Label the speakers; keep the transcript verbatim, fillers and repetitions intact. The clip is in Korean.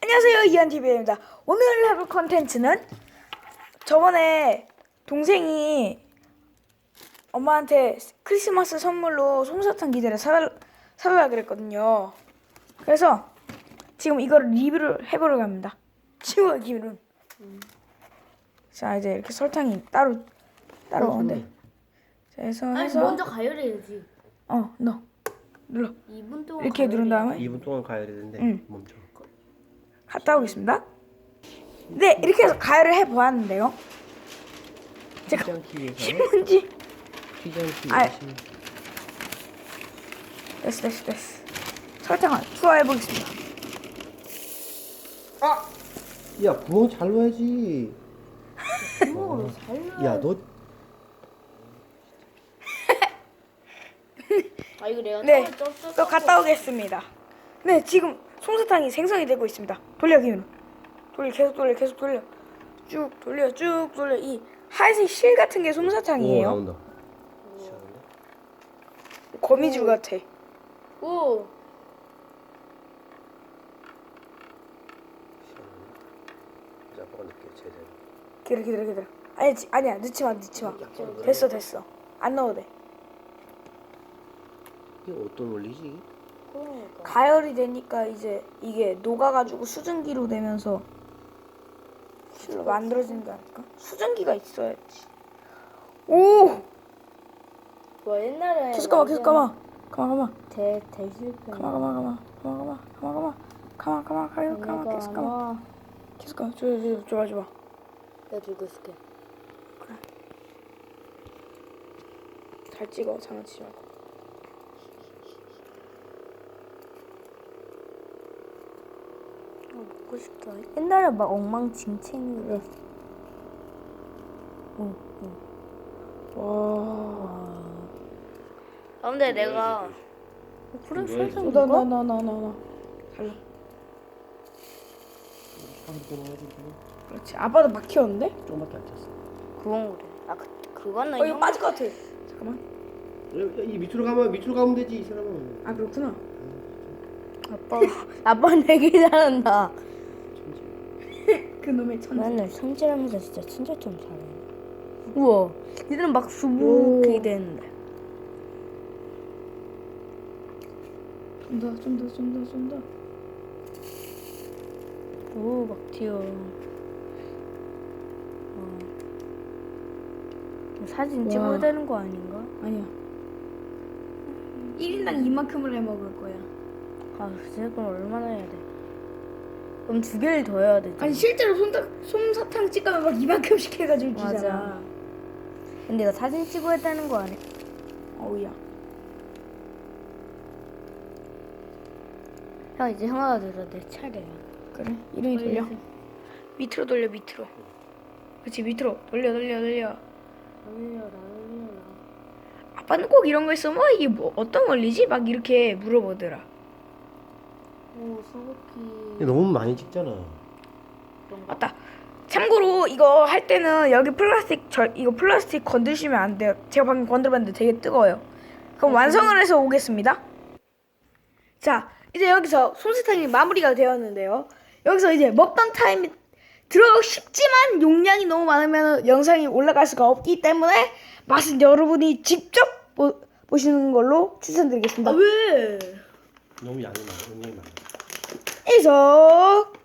Speaker 1: 안녕하세요, 이한티비입니다. 오늘 해볼 컨텐츠는 저번에 동생이 엄마한테 크리스마스 선물로 솜사탕 기계를 사, 사달라 그랬거든요. 그래서 지금 이거를 리뷰를 해보려고 합니다. 친구가 기분은. 음. 자, 이제 이렇게 설탕이 따로 따로 오는데. 자, 해서
Speaker 2: 아니
Speaker 1: 해서
Speaker 2: 먼저 가열해야지.
Speaker 1: 어, 넣어. 눌러.
Speaker 2: 이 분 동안
Speaker 1: 이렇게 누른 다음에
Speaker 3: 이 분 동안 가야 되는데
Speaker 1: 응.
Speaker 3: 멈춰.
Speaker 1: 갔다 오겠습니다. 네, 이렇게 해서 가열을 해 보았는데요. 제가
Speaker 3: 튀지 않기 위해서
Speaker 1: 신문지
Speaker 3: 튀지 않기
Speaker 1: 아이.
Speaker 3: 위해서
Speaker 1: 됐어 됐어 됐어. 설탕을 투하해 보겠습니다.
Speaker 3: 아! 야 구멍 잘 넣어야지.
Speaker 2: 구멍으로 잘 넣어.
Speaker 3: 야 너
Speaker 2: 아 이거 내가
Speaker 1: 네,
Speaker 2: 처음에 쪘었어.
Speaker 1: 또 갔다 오겠습니다. 네, 지금 솜사탕이 생성이 되고 있습니다. 돌려 기운. 돌려 계속 돌려 계속 돌려. 쭉 돌려 쭉 돌려. 이 하얀색 실 같은 게
Speaker 3: 오,
Speaker 1: 솜사탕이에요.
Speaker 3: 나온다.
Speaker 1: 거미줄 같아.
Speaker 2: 오.
Speaker 3: 이제 아빠가 넣게 제대로.
Speaker 1: 기다려 기다려 기다려. 아니 지- 아니야 넣지 마 넣지 마. 됐어 됐어. 안 넣어도 돼.
Speaker 3: 이게 어떤 원리지?
Speaker 2: 그러니까.
Speaker 1: 가열이 되니까 이제 이게 녹아가지고 수증기로 되면서 실로 만들어지는 거 아닐까? 수증기가 있어야지. 오!
Speaker 2: 뭐 옛날에
Speaker 1: 계속 가마 계속 가마 가마 가마
Speaker 2: 대 대실패.
Speaker 1: 가마 가마 가마 가마 가마 가마 가마 가마 가마 가마 가마 계속 가마 계속 가마 줘봐 줘봐 줘봐 줘봐.
Speaker 2: 내가 들고 있을게.
Speaker 1: 잘 찍어 장난치지 말고.
Speaker 2: 아, 먹고 싶다. 옛날에 막 엉망진창이래. 응, 응.
Speaker 1: 와.
Speaker 2: 아 근데 내가 그래 설탕
Speaker 1: 나
Speaker 2: 이거?
Speaker 1: 나 나 나 나나 달라. 그렇지. 아빠도 막 키웠는데?
Speaker 3: 조금밖에 안 찼어.
Speaker 2: 그건 그래. 아 그, 그거는
Speaker 1: 어 이거
Speaker 2: 형-
Speaker 1: 빠질 것 같아. 잠깐만.
Speaker 3: 야, 이 밑으로 가면 밑으로 가면 되지 이 사람은.
Speaker 1: 아 그렇구나.
Speaker 2: 아빠 아빠는 되게 잘한다.
Speaker 1: 그 놈의 천재.
Speaker 2: 맨날 성질하면서 진짜 진짜 좀 잘해. 우와, 니들은 막 수북이 되는데.
Speaker 1: 좀 더, 좀 더, 좀 더, 좀 더.
Speaker 2: 오, 막 튀어. 어. 사진
Speaker 1: 와.
Speaker 2: 찍어야 되는 거 아닌가?
Speaker 1: 아니야. 일 인당 이만큼을 해 먹을 거야.
Speaker 2: 아, 글쎄, 그럼 얼마나 해야 돼? 그럼 두 개를 더 해야 되지.
Speaker 1: 아니 실제로 솜사, 솜사탕 찍으면 막 이만큼씩 해가지고 주잖아.
Speaker 2: 맞아. 근데 이거 사진 찍어야 되는 거 아니야?
Speaker 1: 어우야.
Speaker 2: 형, 이제 형아가 들어. 내 차례야.
Speaker 1: 그래. 이름이 돌려. 밑으로 돌려 밑으로. 그렇지 밑으로 돌려 돌려 돌려.
Speaker 2: 돌려라, 돌려라.
Speaker 1: 아빠는 꼭 이런 거 있으면 뭐 이게 뭐 어떤 원리지? 막 이렇게 물어보더라.
Speaker 2: 오, 소고기.
Speaker 3: 이거 너무 많이 찍잖아.
Speaker 1: 맞다. 참고로 이거 할 때는 여기 플라스틱 절 이거 플라스틱 건드시면 안 돼요. 제가 방금 건드렸는데 되게 뜨거워요. 그럼 완성을 해서 오겠습니다. 자, 이제 여기서 솜사탕이 마무리가 되었는데요. 여기서 이제 먹방 타임이 들어가고 싶지만 용량이 너무 많으면 영상이 올라갈 수가 없기 때문에 맛은 여러분이 직접 보, 보시는 걸로 추천드리겠습니다.
Speaker 2: 왜?
Speaker 3: 너무 양이 많아. 음량이 많아.
Speaker 1: 이석